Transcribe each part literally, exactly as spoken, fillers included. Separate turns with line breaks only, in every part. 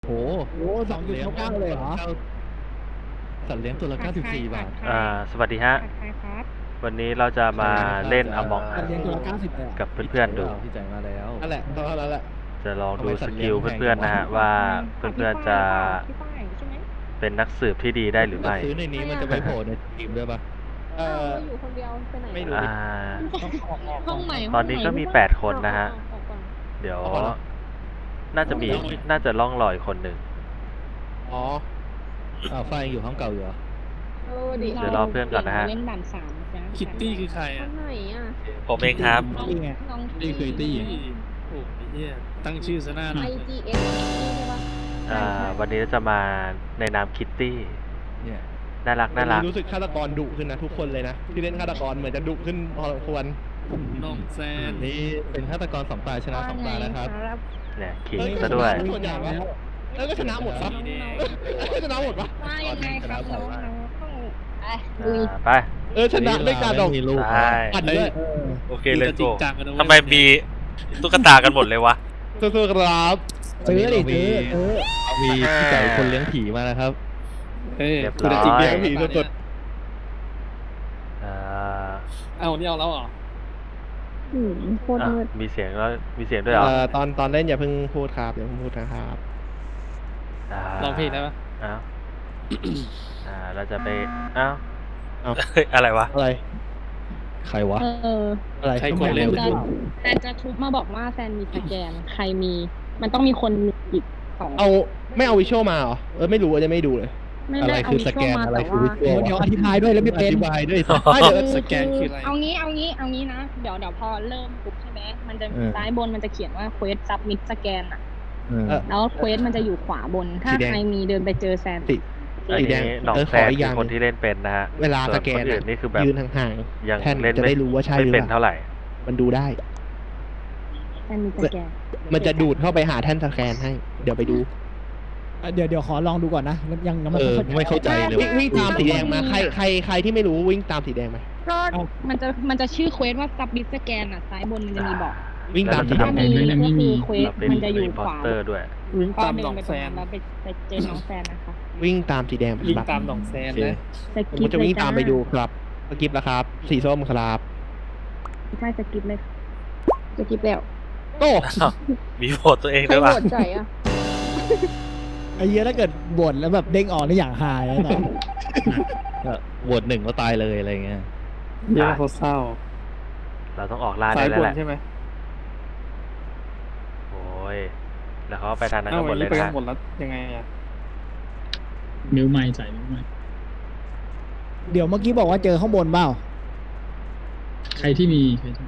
โอ้โห
สองจุดเก้าเก้าเลยเหรอ
สัตว์เลี้ยงตัวละเก้าสิบสี่บาท
อ่าสวัสดีฮะ วันนี้เราจะมาเล่น Among
สัตว์เลี้ยงตัวละเก้าสิบเลยเหรอ
กับเพื่อนๆดู
พี่จ่ายมาแล้ว
นั่นแหละเท่านั้นแหละ
จะลองดูสกิลเพื่อนๆนะฮะว่าเพื่อนๆจะเป็นนักสืบที่ดีได้หรือไม่
ซื้อในนี้มันจะไปโผล่ในทีมด้วยปะ
เออ
อยู่คนเดียวไปไหน
ไม่รู้
อ่า
ห้องใหม่
ตอนนี้ก็มีแปดคนนะฮะ เดี๋ยวน่าจะมีน่าจะล่องลอยคนหนึ่ง
อ๋อ
อ้าวไฟยังอยู่ห้องเก่าอยู่เหรอ
เออดิ
เดี๋ยวรอเพื่อนก่อนนะฮะ
เล่นด่านสามนะ
คิตตี้คือใคร
ค
อ่ะ
นไหนอ่ะ
ผมเองครับ
นี่ไง
น้อง
นี่คือตี้โอ้ยเหี้ยตั้งชื่อซะหน้าห
ไอ
น่อย
จีเอสใช่ปะ
อ่าวันนี้เราจะมาในนามคิตตี้
เนี่ย
น่ารักน่ารัก
รู้สึกฆาตกรดุขึ้นนะทุกคนเลยนะที่เล่นฆาตกรเหมือนจะดุขึ้นพอสมควร
น้องแซน
นี่เป็นฆาตกรสองตาชนะสองตาแล้วครับ
เนี่ยขิงซะด้วย
ส่วนใหญ่วะแล้วก็ชนะหมดปะก็ชนะหมดปะ
ว่ายังไงครับน้องน้องต้องไอ้
อ่
ลุย
าไป
เออชนะด้วยการดอก
มีลูก
ใช่
ปั่นด้วย
โอเคเลยจริงจังกันนะเว้ย
ทำไมมีตุ๊กตากันหมดเลยวะ
สู้ๆครับ
ซื้อดิซื้อเออ
มีพี่จ่ายคนเลี้ยงผีมานะครับ
เฮ้ย
เรียบ
คุณ
ร้อย
จริง
เลี้
จั
ย
ง
งผีสด
อ่า
เอ้านี่เอาแล้วเหรอ
หืมโคตร
อ่ะ
มืด
มีเสียงแล้วมีเสียงด้วย
ๆ
เหรอ
เอ่อตอนตอนเล่นอย่าเพิ่งพูดครับอย่าเพิ่งพูดนะครับ
า
ลองเพลงได้ปะ
อ้าวอ่าเราจะไปอ้าว
เอ้า
เฮ้ยอะไรวะ
อะไร
ใครวะ
เออ
อะไร
ใครกดเร็ว
จะแซนจะทุบมาบอกว่าแซนมีสแกนใครมี มันต้องมีคนอีกสอง
เอาไม่เอาวิชวลมาเหรอเออไม่รู้จะไม่ดูเลย
ไม่
อะไร
ได้เอา
คือ
วิ
ส
ช
แก
วล
น
มา
อะไร
แต่
คือ
ว่า
วิชวล
เดี๋ยวอธิบายด้วยแล้วไม่
อ
เป็น
ธิบายด้วยสิ
ไม่เดี๋ยว
สแกนคืออะไร
เอางี้เอางี้เอางี้นะ เดี๋ยวเดี๋ยวพอเริ่มปุ๊บใช่ไหมมันจะ
เออ
ซ้ายบนมันจะเขียนว่า quest submit scan อ่ะ
เออ
เออ
แล้ว quest มันจะอยู่ขวาบน ถ้า
สีแดง
ใครมีเดินไปเจอแซน
สี
อัน
สีแดง
นี้หนอง
เออ
แซ
ขอน อีกอ
คื
ย่า
อง คนที่เล่นเป็นนะฮะ
เวลา
ส่
ส
วน
แก
คน นอื่นนี่คือแบบ
ยืนห่าง
ยัง
ๆแท่น
เล่น
จะ
ไม่
ได้รู้ว่าใช่ห
ไม่
รือ
เป็น
เปล่า
เท่าไหร่
มันดูได้
แซนมีสแกน
มันจะดูดเข้าไปหาแท่นสแกนให้ เดี๋ยวไปดู
อ่ะเดี๋ยวเดี๋ยวขอลองดูก่อนนะยังยัง
เออไม่เข้าใจเลย
วิ่งวิ่งตามสีแดงมาใครใครใครที่ไม่รู้วิ่งตามสีแดงมา
ก็มันจะมันจะชื่อ quest ว่า submit scan อ่ะ ซ้ายบนมันจะมีบอก
วิ่งตามสีแด
ถ้าง มีก็คือ quest
เราเป็น
มันจะอยู่
รีพ
ข
อร์
วา
เตอร์ด้วย
วิ่ง
ก็
ตาม
เดิ
หนอน ง
ไป
แซ
ตรง
น
นั้นแล้วไปไปเจอน้องแซนนะคะ
วิ่งตามสีแดง
วิ่ง
ครับ
ตามหนองแซนนะ
ส
ผม
กิป
จะ
เลย
วิ่ง
จ้า
ตามไปดูครับสกิปแล้วครับ สีส้มครับ
ใช่สกิปเลยสกิปแล้ว
โต้
มีโหวตตัวเอง
ใคร
ด้วย
โห
วะ
วตใจอ่ะ
ไอ้เหี้ยถ้าเกิดบ่นแล้วแบบเด้งออกในอย่างหายแล้วนะ
ก็โหวตหนึ่งก็ตายเลยอะไรเงี้ย
เหี้ยโคตรเศร้า
เราต้องออกล่า
สา
ได้
ย
แล้
บ
วน แหละ
ใช่ไหม
โอ้ยแล้วเขาก็ไปทางนั้น
เอ้า
กันหมดเลย
ไป
นะ
กั
ฮะ
นหมดแล้วยังไงอ่ะ
นิ้วไม้ใส่นิ้วไม้
เดี๋ยวเมื่อกี้บอกว่าเจอข้างบนเปล่า
ใครที่มีใครที่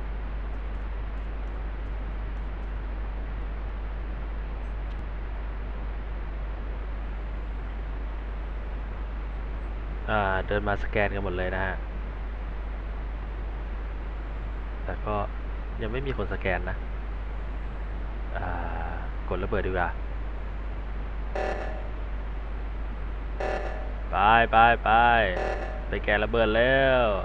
อ่าเดินมาสแกนกันหมดเลยนะฮะแต่ก็ยังไม่มีคนสแกนนะอ่ากดระเบิดดีกว่าไปไปไปไปแกนระเบิดแล้ว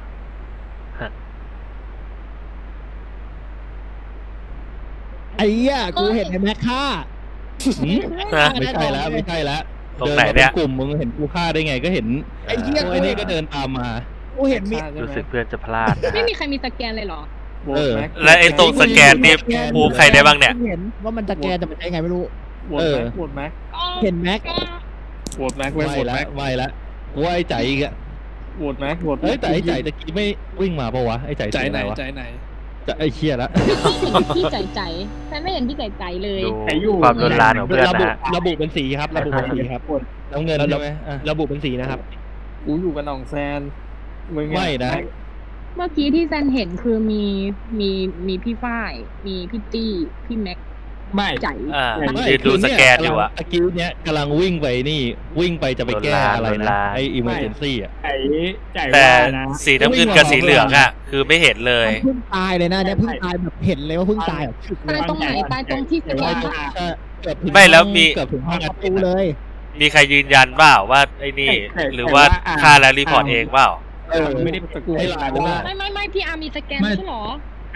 ไอ้เหี้ยกูเห็นไอ้แม็กฆ่า
หืมไม่ใช่แล้วไม่ใช่แล้ว
ตรงไหนเนี่ย
ดิมาป็กลุ่มมึงเห็นกูฆ่าได้ไงก็เห็น
ไอ้เหี้ย
ไอ้นี่ก็เดินตามมา
กูเห็นมี
รู้สึกเพื่อนจะพลาดนะ
ไม่
ฮะ
มีใครมีสแกนเลยเหรอ
โหว
เอ
ต
อ
แม็ก
และไอ้ตรงสแกนนี่ปูใครได้บ้างเนี่ย
เห็นว่ามันตะแกนแต่มันใช้ไงไม่รู้
โหวตแม็กโหวตแม็ก
เห็นแม็ก
โหวตแม็กเว้ย
ไม่
โหวต
ละ
แม็ก
ไม่ละกูว่าไอ้ใจอีกอะ
โหวตแม็กโหวต
เอ้ยแต่ไอ้ใจตะกี้ไม่วิ่งมาปะวะไอ้ใจ
ใจไหน
วะ
ใจไหน
จะไอ้เชี่ยละ
พี่ใจใจแซนไม่เห็นพี่ใจใจเลย
ดูความรุนแรงของเพื่อน
ระ
นะ
บุ
ฮะ
ระบุเป็นสีครับระบุเป็นสีครับ
น้ำเงินใช่ไหมอ่ะ
ระบุเป็นสีนะครับ
กูอยู่กับหนองแซนมึงอะ
ไม่นะ
เมื่อกี้ที่แซนเห็นคือมีมีมีพี่ฝ้าย มีพี่ตี้พี่แม็ก
ไม่
ใจ
อ่า
ไม่
ยืนดูสแกนอยู่อะ
ตะกี้เนี้ยกำลังวิ่งไปนี่วิ่งไปจะไปแก้อะไร
โดน
นะ
ลา
ไอ้ emergency อ่ะ
ไอ้ใจ
แต่
ว่านะ
สีน้ำเงินกับสีเหลืองอ่ะ คือไม่เห็นเลย
มันเพิ่งตายเลยนะเนี่ยเพิ่งตายแบบเห็นเลยว่าเพิ่งตายแบบชึกเล
ตาย
ย
ตรงไหนตายตรงที่สแกนปะ
ใช่เกือบถึง
ไม่แล้วมี
เกือบถึงห้อง
ป
อั
ระ
ด
ตูเลย
มีใครยืนยันเปล่าว่าไอ้นี่ หรือว่าฆ่าแล้วรีพอร์ตเองเปล่า
เออ
ไม่ได้ตะกู
ให้ลายด้วยนะ
ไม่ไม่ไม่พี่อาร์มีสแกนไม่ใช่เหรอ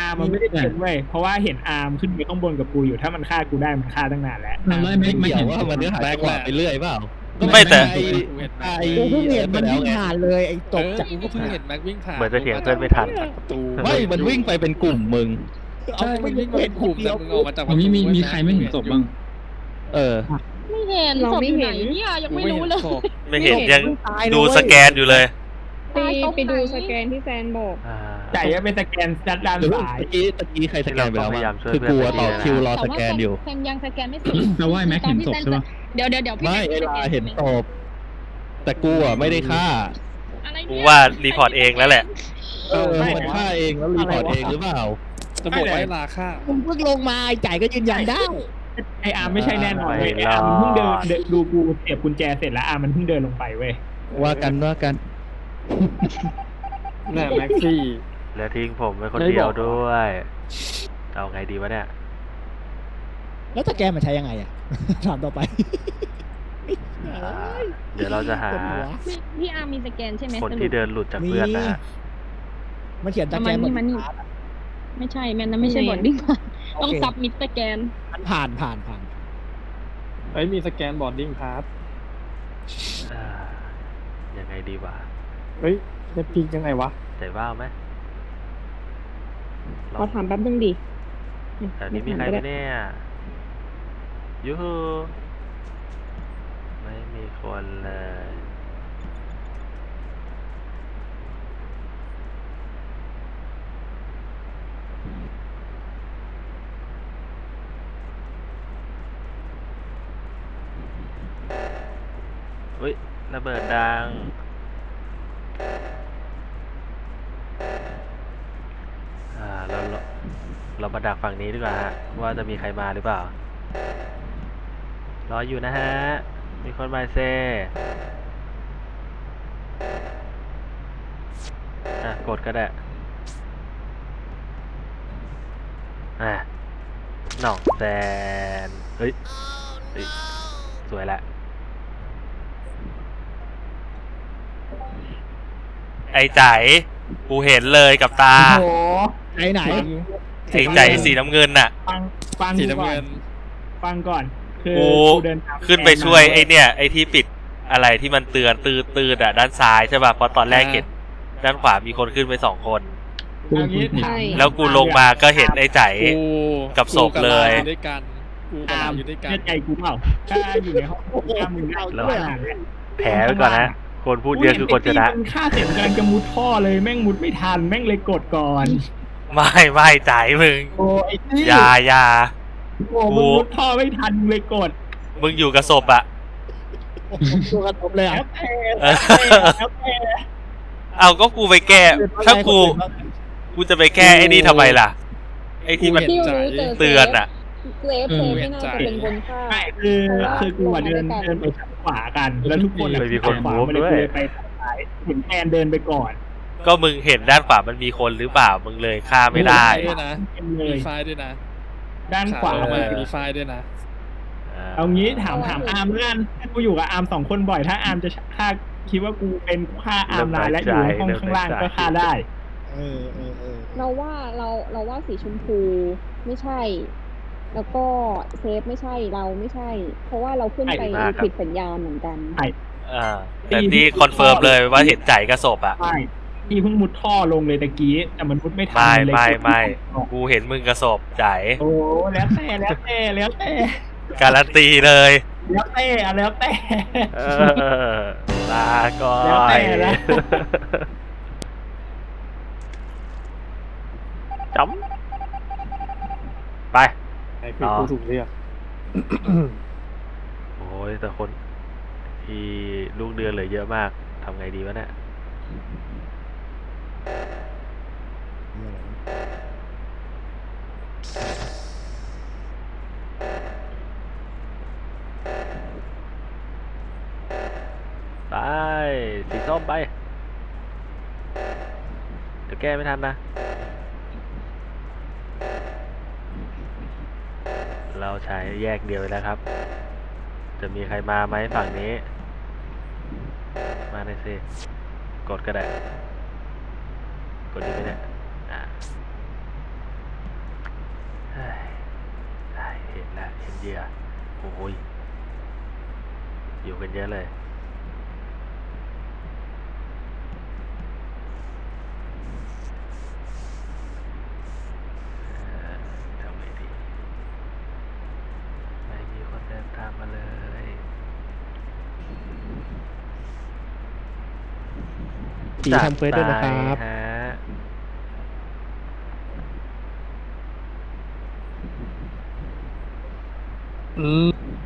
อาร์มมันไม่ได้เป็นเว้ยเพราะว่าเห็นอาร์มขึ้นไปข้างบนกับกูอยู่ถ้ามันฆ่ากูได้มันฆ่าตั้งนานแล้ว
เราไล่ไม่
ไม่
ไม่
เกี่ย
เห็
วน ว่ามันเนื้อหาจังหวะไปเรื่อยเปล่า
ไม่แต่
ไอ้ไอ้
กูเพิ่งเห็นมันวิ่ง
ไง
ผ่านเลยไอ้ตกจาก
กูก็เพิ่งเห็นแม็กวิ่งผ่าน
เหมือนจะเถียงเพื่อนไม่ทัน
จากประตู
ไม่มันวิ่งไปเป็นกลุ่มมึง
ใช่มันวิ่งมาเป็นกลุ่มแต่มึงออกมาจากประ
เอา
ตู
มีมีมีใครไม่เห็นศพบ้าง
เออ
ไม่เห็น
เรา
ศพ
ไม่
อยู่
เห็
ไหน
น
เนี่ยยัง
กู
ไม่
ไม่
รู้
เห็น
เลย
ศพ
ไม่เห็นยัง
ตายเลย
ดูสแกนอยู่เลย
ไปไปดูสแกนที่แซนบอก
อ่า
ใจจะเป็นสแกนด้านด้าน
หรือว่า
ซ้าย
ตะกี้ตะกี้ใครสแกนไปแล้ว
เราต้องพยายาม
มั้ง
ช่วย
คือกูอะ
เพื่
ต่
อ
อน
ไป
คิวรอ
แต่
ส
ว่า
แกนอยู่
แซมยังสแกนไม่เสร็จ
เราว่าไอ้แม็กเห็นศพใช่ปะ
เดี๋ยวเดี๋ยวเดี๋ยวพี่
ไม่
แม็ก
เว
ส
ลา
แก
เห็นศพแต่กูอ่ะไม่ได้ฆ่า
อะไร
กู
เนี่ย
ว่ารีพอร์ตเองแล้วแหละ
เออมันฆ่าเองแล้วรีพอร์ตเองหรือเปล่า
จะบอกว่าลาค่า
มึงเพิ่งลงมาไอ้จ่ายก็ยืนยันได้
ไออาร์มไม่ใช่แน่นอนเว้ย
ไม่
ไออาร์ม
รอด
เพิ่งเดินเดินดูกูเสียบกุญแจเสร็จแล้วอาร์มมันเพิ่งเดินลงไปเว้ย
ว่ากันว่ากัน
แน่แม็กซี่
แล้วทิ้งผมไว้คน
ได้
เดียว
บอกเหรอ
ด้วย เอาไงดีวะเนี่ย
แล้วสแกนมันใช้ยังไงอ่ะ ถามต่อไป
อ่าเดี๋ยวเราจะหา
ปวดหัว
พี่พี่อาร์มมีสแกนใช่ไหม
คน
สรุป
ที่เดินหลุดจากเพื่อนนะฮะ
มันเขียนส
เอา
แก
มัน
น
นี่มันนี่ ไม่ใช่แม่นนะไม่ใช่บอดดิ้งต้องซับมิดสแกน
มันผ่านผ่านผ่าน
เอ้ยมีสแกนบอร์ดดิ้งพาส
อ่ายังไงดีวะ
เฮ้ยจะปีกยังไงวะ
ใจว่าวไหมล
ข
อ
อง ถามแป๊บนึงดิ
แถวนี้มีใครไหมเนี่ยยูฮูไม่มีคนเลยอุ้ยระเบิดดัง อ่าเราเราเรามาดักฝั่งนี้ดีกว่าฮะว่าจะมีใครมาหรือเปล่ารออยู่นะฮะ มีคนมาเซอ่ะกดก็ได้อ่ะหน่องแซนเฮ้ยเฮ้ยสวยละไอ้ใจกูเห็นเลยกับตา
โอ้โหไหนไหน
ไอ้ใจสีน้ำเงินน่ะ
ฟังฟัง
สี
กู
น้ำ
ก่อ
เงิ
น
น
ฟังก่อน คือ
กู
เดินตาม
ขึ้นไปช่วยไอ้เนี่ยไอ้ที่ปิดอะไรที่มันเตือนตืดตืดอ่ะด้านซ้ายใช่ป่ะเพราะตอนแรกเห็นด้านขวามีคนขึ้นไปสองคน
เอางี้ถาม
ใช่
แล้วกูลงมาก็เห็นไอ้ใจ
กู
กับศพเลย
กูกับาอยู่ด้วยกันกูกับ
อา
ลา
ร์ม
อยู่ด้วยกัน
เชื่อใจกูเปล่าถ้าอยู่ในห้องอาร์มมึงได้
แล้ว
ขนาดเนี้ย
แผลไว้ก่อนนะคนพูดเยอะคือคนชนะ
กูเห็ไอ้ที่มึงฆ่าเสร็จกำลังจะมุดท่อเลยแม่งมุดไม่ทันแม่งเลยกดก่อน
ไม่ไม่ใจมึง
โอ้ไอ้ที่
อยาอยา
โอ้มึงมุดท่อไม่ทันเลยกด
มึงอยู่กับศพอ่ะ
ตัวกระทบเลยอ่ะ
แล้วแต่
เออ
แล้วแต่
เอาก็กูไปแก้ ถ้ากูกูจะไปแก้ไอ้นี่ทำไมล่ะ ไอ้ที่มัน
ที่รู้เจอ
เตือนอ่ะ
เซฟเซฟไม่น่าจะเป็นคนฆ่า
ไม่คือคือกูอะเดินเดินไปทางขวากัน แล้วทุกคนอะ
ไม่มีคน
ขวา
move
มันเลย
ด้วย
กูเลยไปทางซ้ายเห็นแอนเดินไปก่อน
ก็มึงเห็นด้านขวามันมีคนหรือเปล่ามึงเลยฆ่าไม่ได้
ด้วยนะ
เป็นเล
มี
ย
ไฟล์ด้วยนะ
ด้านขวา
ลง
เล
มาย มีไฟล์ด้วยนะ
เอางี้ถามถามอาร์มเพื่อนถ้ากูอยู่กับอาร์มสองคนบ่อยถ้าอาร์มจะฆ่าคิดว่ากูเป็นฆ่าอาร์มนายและอยู่ในห้องข้างล่างก็ฆ่าได้
เออเออเออ
เราว่าเราเราว่าสีชมพูไม่ใช่ แล้วก็เซฟไม่ใช่เราไม่ใช่ เพราะว่าเราขึ้นไป
ใช่มากครับ
ผิดสัญญาณเหมือนกัน
อ่าแต่ที่คอนเฟิร์มเลยว่าเห็นใจกระสบอ่ะ
ใช่ที่เพิ่งมุดท่อลงเลยตะกี้แต่มันมุดไม่ทัน
ไม่
เลย
ไม่
กด
ไม่
ออก
กูเห็นมึงกระสบใจ
โอ้แล้วแต่แล้วแต่แล้วแต่
การันตีเลย
แล้วแต่อะแล้วแต่
เออลาก่อ
แล้วแต่
น
ละ
จำไป
ไอ้คือกูถูกเรียก
โอ้ยแต่คนที่ลูกเดือนเหลือเยอะมากทำไงดีวะเนี่ยไปสีส้มไป เดี๋ยวแก้ไม่ทันนะ เราใช้แยกเดียวแล้วครับ จะมีใครมาไหมฝั่งนี้ มาเลยสิ กดก็ได้ กดดีไหมเนี่ยอ่ะเฮ้ยได้เห็นแล้วเห็นเหยื่อโอ้ยอยู่กันเยอะเลยเอ่อทำไงดีไม่มีคนเดินตามมาเลย
ตีทำเควสด้วยนะครับ
จัดไปฮะ
อืม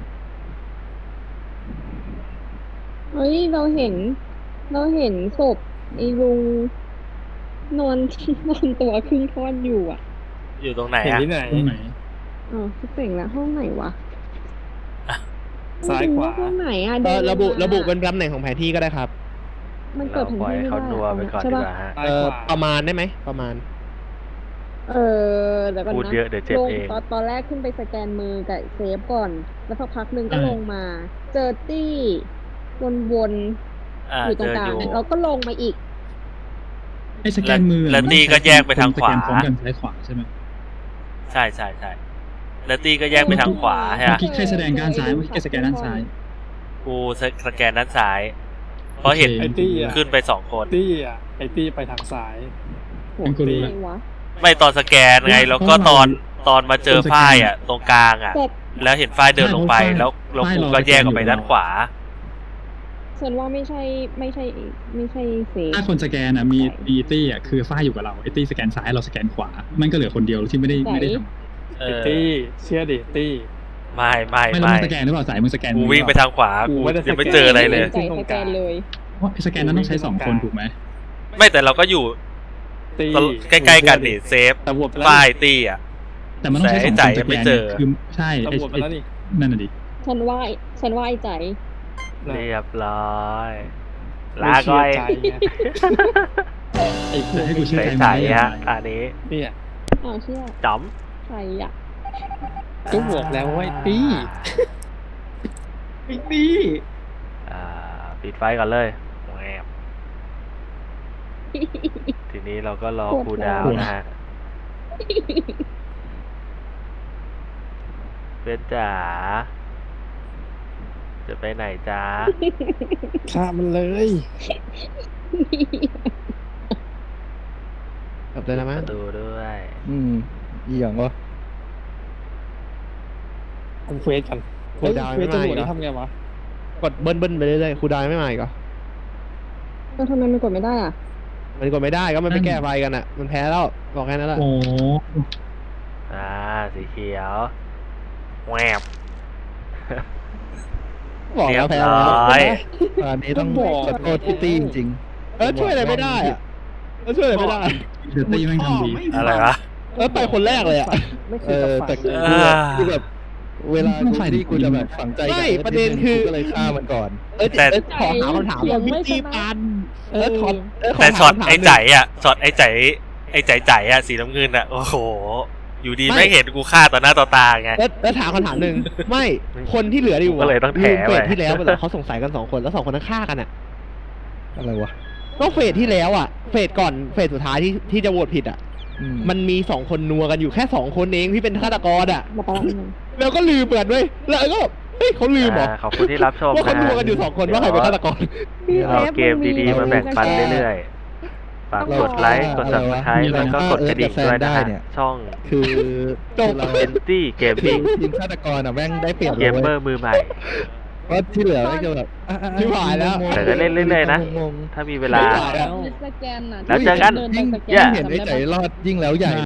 เฮ้ยเราเห็น เราเห็นศพไอ้ลุงนอน นอนตัวครึ่งท่อนอยู่อ่ะ
อยู่ตรงไหน
เห็น
อะ
ที่ไหน
ตรงไหน
อ๋อคิดเป่งละห้องไหนวะ
ซ้ายขวา
ห้องไหนอ่ะ
เอ
เดิ
อน ระบุ
มา
ระบุเป็นตำแหน่งของแผนที่ก็ได้ครับ
มันเปิ
เรา
ดแผน
ปล่อย
ที่ไม่
เขา
ได้
นัวไปก่อน
ใช่
ดี
ปะ
กว่าฮะ
ซ้าย
เออ
ขวา
ประมาณได้ไหมประมาณ
เออเดี๋ยวก่อน
พูด
นะ
เยอะเดี๋ยวเจ็บ
ลง
เอง
ตอนตอนแรกขึ้นไปสแกนมือกับเซฟก่อน แล้วสักพักหนึ่งก็
ใช่
ลงมา เจอตี้วน
อ่า
ๆอยู่ตร
เจ
ง
อก
ลาง
อยู่
เราก็ลงมาอีก
ไอ้สแกนมือ
แล้ว
มัน
ตีก็แยกไปทางขวา
สแกนพร้อมกันซ้ายขวาใช่ไหม
ใช่ใช่ใช่แล้วตีก็แยกไปทางขวาใช่ไหม
เมื่อกี้ใครแสดงด้านซ้ายเมื่อกี้ใครสแกนด้านซ้าย
กูสสแกนด้านซ้าย เพราะเห็น
โอเค
ไอ้ตี้อ่ะ
ขึ้นไปสองคน
ตี้อ่ะไอ้ตี้ไปทางซ้าย
เป็นกูรู้
ไหน
ละ
วะ
ไม่ตอนสแกนไง แล้วก็ตอนตอนมาเจอฝ้ายอ่ะ ตรงกลางอ่ะ
แต่
แล้วเห็นฝ้ายเดินลงไป แล้วแล้วกูก็แยกออกไปด้านขวา
ฉันว่าไม่ใช่ไม่ใช่ไม่ใช่เซฟ
ถ้าคนสแกนอ่ะมีมีตี้อ่ะคือฝ้ายอยู่กับเราไอ้ตี้สแกนซ้ายเราสแกนขวา มันก็เหลือคนเดียวที่ไม่ได้ไม่ได้ท
เอ
ไอ้
อ
ตี้เชื่อดิตี้
ไม่ไม่
ำไม่แล้ว
ไม่
มึงสแกนหรือเปล่าสายมึงสแกน
กูวิ่งไปทางขวา
กู
กู
ไม่ได้
ยังไม่
สแกน
เจออะไรเลย
ใจสแกนเลย
เพราะไอ้สแกนนั้นต้องใช้สองคนถูกไหม
ไม่แต่เราก็อยู่
ตี้
ใกล้ๆกันนี่เซฟ
ตำรวจไปแล้ว
ฝ้ายตี้อ่ะ
แต่มันต้องใช้สองคน
แต่
ส
ไอ้ใจยัง
แก
ไม่
น
เจอ
คือใช่ไอ้
ตำรวจไป
ไอ้
แล้วนี่
นั่นน่ะดิ
ฉันว่าฉันว่าไอ้ใจ
น่ะ
เรียบร้อยลา
ไม่
ก่
เชื่
อ
อย ใจไงไอ้พว
จะ
ก
ให้กูเชื่อใจ
ใส
ไหม
ๆฮะอันนี้
เนี่ย
อ้าวเชื่อ
จ๋อม
ใครอ่ะ
ก็บอกแล้วว่าไอ้ตี้
ไอ้ตี้
อ่าปิดไฟก่อนเลยแหวบทีนี้เราก็รอคูลดาวน์นะฮะเป็นจ๋าจะไปไหนจ้า
ฆ่ามันเลย
กลับเลยนะมั้ง
ดูด้วย
อืมอีหยังวะ
ทำเควสกัน
โค
เฮ้ย
ดาว
เคว
ไม่
ส
มา
ตำร
อี
วจ
กเหร
นี่
อ
ทำไงวะ
กดเบิ้ลเบิ้ลไปเรื่อยๆครูดาวไม่มาอีกเหรอ
แล้วทำไมมันกดไม่ได้อ่ะ
มันกดไม่ได้ก็มันไปแก้ไฟกันอ่ะ มันแพ้แล้วบอกแค่นั้นแหละ
โอ้
อ่าสีเขียวแหวบ
บอก
เรีย
แล้ว
บ
แพ้
ร้
แล้ว
อย
อันนี้ต้อง
ก็บอก
ขอโทษพี่ตี้จริง
เออช่วยอะไรไม่ได้อะเออช่วยอะไรไม่ได้
เดอร์ตี้แม่งทำดี
อะไรวะ
เออไปคนแรกเลยอ่ะ
ไม่เค
ๆเอย อ
จะ
แต่
ฝัน
กู
อ่า
คือแบบเวลา
ต้อง
กู
ฝ่าย
ที่กูจะแบบ
ดี
ฝังใจ
ไม่
กับ
ประเด็นคือ
กูก็เลยฆ่ามันก่อน
เออ
แต่
เออขอถามคำถาม
เสียงไม่
วิธี
ชนะ
ปันเออขอเออขอ
แต่
ถาม
ช็อต
คำถาม
ไอ้
หนึ่ง
ใจอ่ะช็อตไอ้ใจไอ้ใจใจอ่ะสีน้ำเงินอ่ะโอ้โห อยู่ดีไม่เห็นกูฆ่าต่อหน้าต่อตาไง
แล้วแล้วถามคำถามหนึ่งไม่คนที่เหลืออยู่ะ
ก็เลยต้องแถ
ลืมเฟ
ไว้
สที่แล้วไปเหรอเขาสงสัยกันสองคนแล้วสองคนนั้นฆ่ากันอ่ะ
อะไรวะ
ก็เฟสที่แล้วอ่ะเฟสก่อนเฟสสุดท้ายที่ที่จะโหวตผิดอ่ะ
อื
มันมีสองคนนัวกันอยู่แค่สองคนเองที่เป็นฆาตกรอ่ะ
มาปะละนึง
แล้วก็ลืมเปิดด้วยแล้วก็แบบเฮ้ยเขาลืมเหรอ
อ่าขอบคุณที่รับชม
ว่าเขา
นะ
นัวกันอยู่สองคนว่าใครเป็นฆาตกร
เดี๋ยวเอาเกมดีๆมาแบ่งปันเรื่อยๆฝากกดไลค์กด subscribe แล้วก็กดกระดิ่งด้วยนะฮะช่อง
คือ
จบ
คือเรา
เอนตี้เกม
ที
มิ่
ม
ง
ทีมฆาตกรอ่ะแม่งได้เปรียบ
เก
เลย
ม
เว้ย
เมอร์มือใหม่
เพราะที่เหลือก็จะแบบอ่ะอ่ะอ่ะ
ชิบหายแล้ว
งงๆ
แต่ก็เล่นเรื่อยๆนะ
งง
ถ้ามีเวลา
ไม่ไหวอะ
สแกนน่ะ
แล้วเจอกัน
ดิ
ยิ่ง
ไปสแก
ยิ่ง
น
เห็นไอ้
จำ
ใจ
ด้ปะ
รอดยิ่งแล้วใหญ่